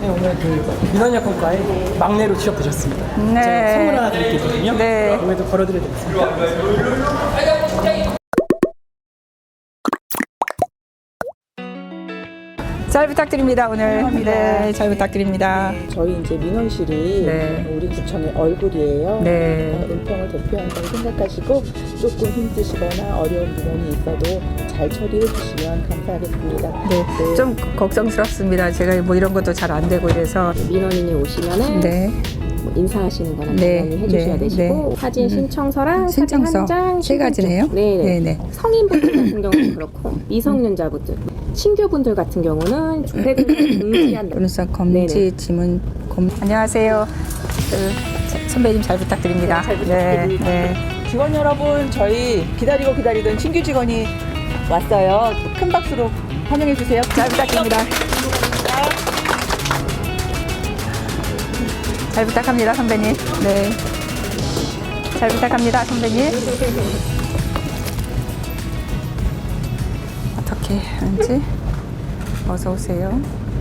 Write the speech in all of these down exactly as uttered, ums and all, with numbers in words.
네, 오늘 그 민원여건과에 막내로 취업되셨습니다. 네. 제가 선물 하나 드릴 게 있거든요. 네. 이것도 걸어드려야 되겠습니다. 잘 부탁드립니다 오늘. 네, 잘 부탁드립니다. 저희 이제 민원실이 네. 우리 구청의 얼굴이에요. 네. 그러니까 은평을 대표한다고 생각하시고 조금 힘드시거나 어려운 민원이 있어도 잘 처리해 주시면 감사하겠습니다. 네, 좀 걱정스럽습니다. 제가 뭐 이런 것도 잘 안 되고 이래서. 민원인이 오시면은 네. 뭐 인사하시는 거나 네, 당연히 해주셔야 네, 되시고 네. 사진 음. 신청서랑 신청서 사진 한 장, 세 가지네요. 네네. 네네. 성인분들 같은 경우는 그렇고 미성년자분들, 신규분들 같은 경우는 조폐금 금지한다. 변호사 검지 네네. 지문 검. 안녕하세요. 그, 자, 선배님 잘 부탁드립니다. 잘 부탁드립니다. 네, 네. 직원 여러분, 저희 기다리고 기다리던 신규 직원이 왔어요. 큰 박수로 환영해 주세요. 잘 부탁드립니다. 잘 부탁합니다, 선배님. 네. 잘 부탁합니다, 선배님. 어떻게 하는지. 어서 오세요.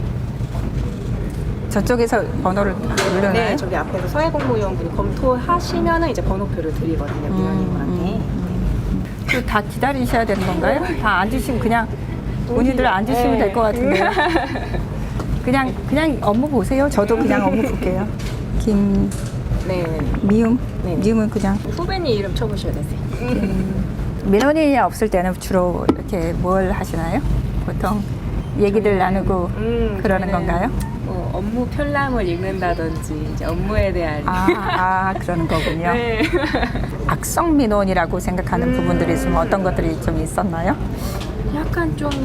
저쪽에서 번호를 누르나요? 네, 저기 앞에서 사회공무위원분이 검토하시면은 이제 번호표를 드리거든요, 민원인분한테. 그 다 기다리셔야 되는 건가요? 다 앉으시면 그냥 본인들 앉으시면 네. 될 것 같은데요. 그냥 그냥 업무 보세요. 저도 그냥 업무 볼게요. 김 네, 미움 네. 미움은 그냥 후배님 이름 쳐보셔야 되세요. 민원인이 없을 때는 주로 이렇게 뭘 하시나요? 보통 얘기들 나누고 음, 그러는 저희는 건가요? 뭐 업무 편람을 읽는다든지 이제 업무에 대한 아, 아 그러는 거군요. 네. 악성 민원이라고 생각하는 음. 부분들이 있으면 어떤 것들이 좀 있었나요? 약간 좀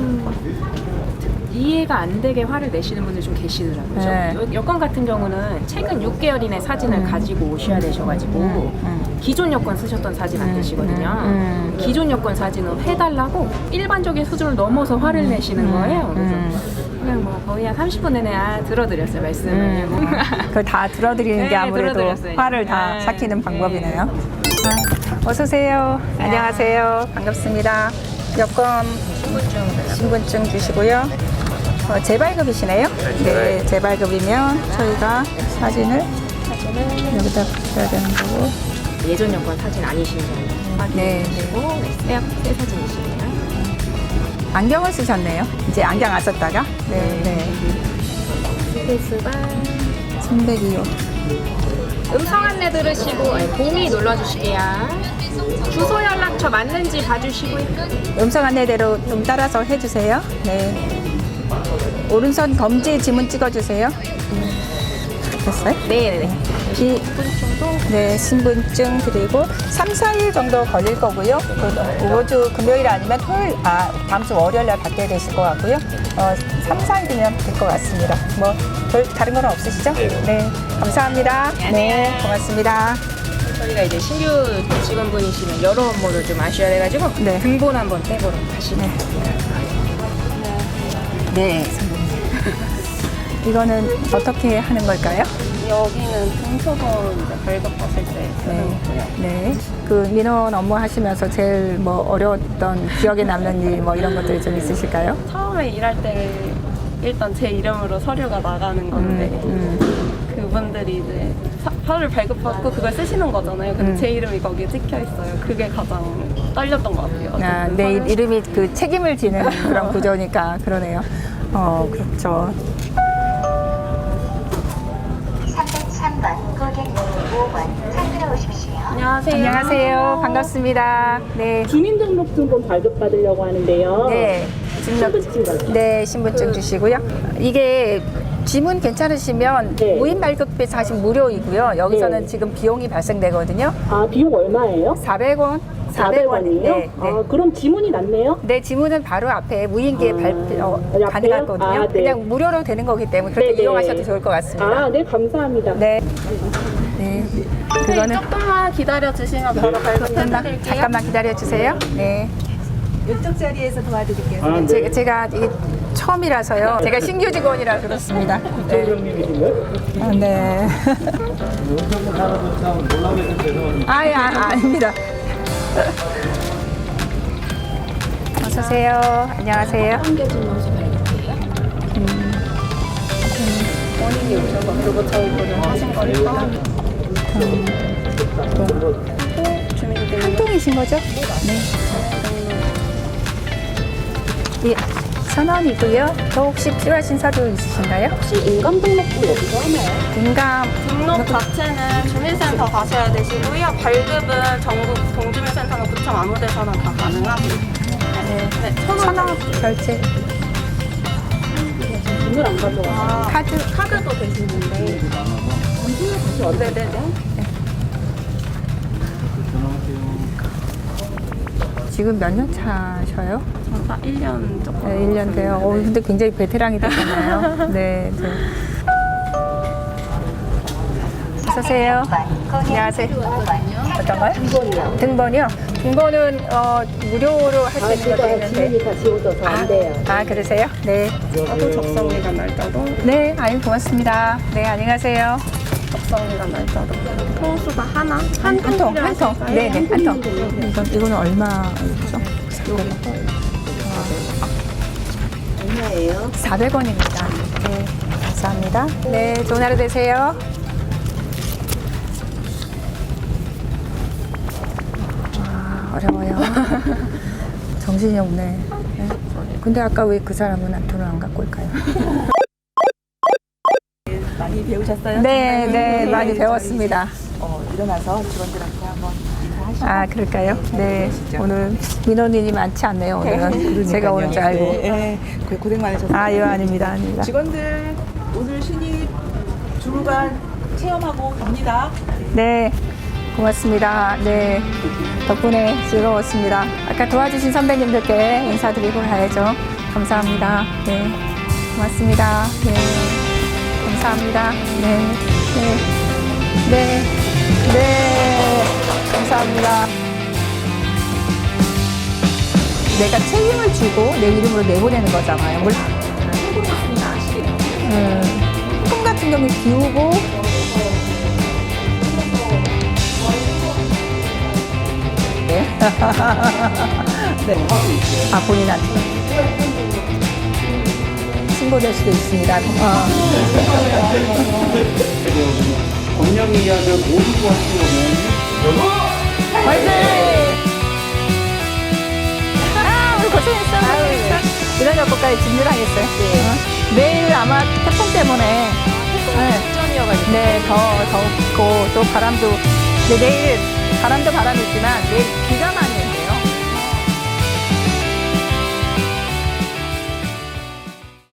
이해가 안 되게 화를 내시는 분들이 좀 계시더라고요. 네. 여- 여권 같은 경우는 최근 육 개월 이내 사진을 가지고 오셔야 되셔가지고 음. 기존 여권 쓰셨던 사진 안 되시거든요. 음. 기존 여권 사진은 해달라고 일반적인 수준을 넘어서 화를 내시는 거예요. 그래서 음. 그냥 뭐 거의 한 삼십 분 내내 아, 들어드렸어요, 말씀을. 음. 그걸 다 들어드리는 게 네, 아무래도 들어드렸어요. 화를 다 네. 삭히는 방법이네요. 아, 어서 오세요. 안녕하세요. 반갑습니다. 여권 신분증, 신분증 주시고요. 어, 재발급이시네요. 네, 재발급이면 저희가 사진을 여기다 붙여야 되는 거고. 예전 여권 사진 아니신 분 네, 확인하시고 네, 새, 새 사진이시네요. 안경을 쓰셨네요. 이제 안경 안 썼다가. 네, 네. 스페이스바 삼백이호. 음성 안내 들으시고 아니, 공이 눌러주실게요. 주소 연락처 맞는지 봐주시고요. 음성 안내대로 좀 따라서 해주세요. 네. 오른손 검지 지문 찍어주세요. 됐어요? 네네네. 이, 네, 신분증 드리고 삼, 사 일 정도 걸릴 거고요. 그 이번 주 금요일 아니면 토요일, 아, 다음 주 월요일 날 받게 되실 것 같고요. 어, 삼, 사 일이면 될 것 같습니다. 뭐, 별 다른 건 없으시죠? 네. 감사합니다. 네, 고맙습니다. 저희가 이제 신규 직원분이시면 여러 업무를 좀 아셔야 돼가지고 네. 등본 한번 떼보러 가시네요. 네, 선생님. 이거는 어떻게 하는 걸까요? 여기는 등초본 이제 발급하실 때 쓰는 거고요. 네. 그 민원 업무 하시면서 제일 뭐 어려웠던 기억에 남는 일 뭐 이런 것들이 좀 있으실까요? 처음에 일할 때 일단 제 이름으로 서류가 나가는 건데 음, 그분들이 이제 사- 서류를 발급받고 그걸 쓰시는 거잖아요. 근데 음. 제 이름이 거기에 찍혀 있어요. 그게 가장 떨렸던 것 같아요. 아, 어쨌든 내 서류- 이름이 그 책임을 지는 그런 구조니까 그러네요. 어, 그렇죠. 삼백삼 번 고객님 오 번 찾으러 오십시오. 안녕하세요. 안녕하세요. 반갑습니다. 네. 주민등록증본 발급받으려고 하는데요. 네. 신분증, 네, 신분증 주시고요. 이게 지문 괜찮으시면 네. 무인 발급비 사실 무료이고요. 여기서는 네. 지금 비용이 발생되거든요. 아, 비용 얼마예요? 사백 원. 사백 원이요? 네, 네. 아, 그럼 지문이 낫네요? 네, 지문은 바로 앞에 무인기에 아, 발표 어, 옆에요? 가능하거든요. 아, 네. 그냥 무료로 되는 거기 때문에 그렇게 네네. 이용하셔도 좋을 것 같습니다. 아, 네, 감사합니다. 네. 네. 그거는 조금만 기다려 주시면 바로 잠깐만, 발급해드릴게요. 잠깐만 기다려 주세요. 네. 이쪽 자리에서 도와드릴게요. 아, 네. 제가, 제가 이게 처음이라서요. 제가 신규 직원이라 그렇습니다. 네. 형님이신가요? 아, 네. 아, 예, 아, 아닙니다. 어서 오세요. 안녕하세요. 한개 주문서 발급해요. 본인이 오셔서 그거 저희 분을 하신 거니까 주민등록 한 통이신 거죠? 네. 예, 천 원이고요. 더 혹시 필요하신 서류 있으신가요? 혹시 인감 등록도 여기서 하나요? 인감 등록 자체는 주민센터 가셔야 되시고요. 발급은 전국 동주민센터는 구청 아무 데서나 다 가능하세요. 네, 네, 천 천 원. 원 결제. 돈을 안 가져와. 아, 카드 카드도 되시는데. 네네네. 지금 몇 년 차셔요? 저가 일 년 조금. 네, 일 년 돼요. 어, 근데 굉장히 베테랑이 되셨네요. 네, 네. 어서오세요. 안녕하세요. 어떤가요? 등본이요. 등본이요? 등본은 어, 무료로 할 수 있는 것도 있는데. 다 지워져서 안 돼요. 아, 그러세요? 네. 저도 접성기간 날짜도. 네, 아유, 고맙습니다. 네, 안녕하세요. 접성기간 날짜도. 통수가 하나? 한, 한 통, 한 통. 필요하실까요? 네, 네, 한 통. 이건, 이거는 얼마죠? 얼마예요? 사백 원입니다. 네, 감사합니다. 네, 좋은 하루 되세요. 와, 어려워요. 정신이 없네. 네. 근데 아까 왜 그 사람은 돈을 안 갖고 올까요? 많이 배우셨어요? 네, 정말? 네, 많이 배웠습니다. 어, 일어나서 직원들한테 한번 인사하시고. 아, 그럴까요? 네, 오늘 민원인이 많지 않네요, 오늘은. 제가 오는 줄 알고. 네, 네. 고- 고생 많으셨어요. 아유, 아닙니다, 아닙니다. 직원들 오늘 신입 주무관 체험하고 갑니다. 네, 고맙습니다. 네, 덕분에 즐거웠습니다. 아까 도와주신 선배님들께 인사드리고 가야죠. 감사합니다. 네, 고맙습니다. 네, 감사합니다. 네, 네, 네, 네, 감사합니다. 내가 책임을 지고 내 이름으로 내보내는 거잖아요. 물, 음, 품 같은 경우에 비우고 네. 네. 아, 본인한테. 신고될 수도 있습니다. 어. 권영 이야기를 모두 하시려면 화이팅! 아, 우리 고생했어. 고생했어. 이런 여보까지 진주당했어요. 어? 내일 아마 태풍 때문에. 네, 네, 더, 덥고, 또 바람도. 근데 내일 바람도 바람이 있지만 내일 비가 많이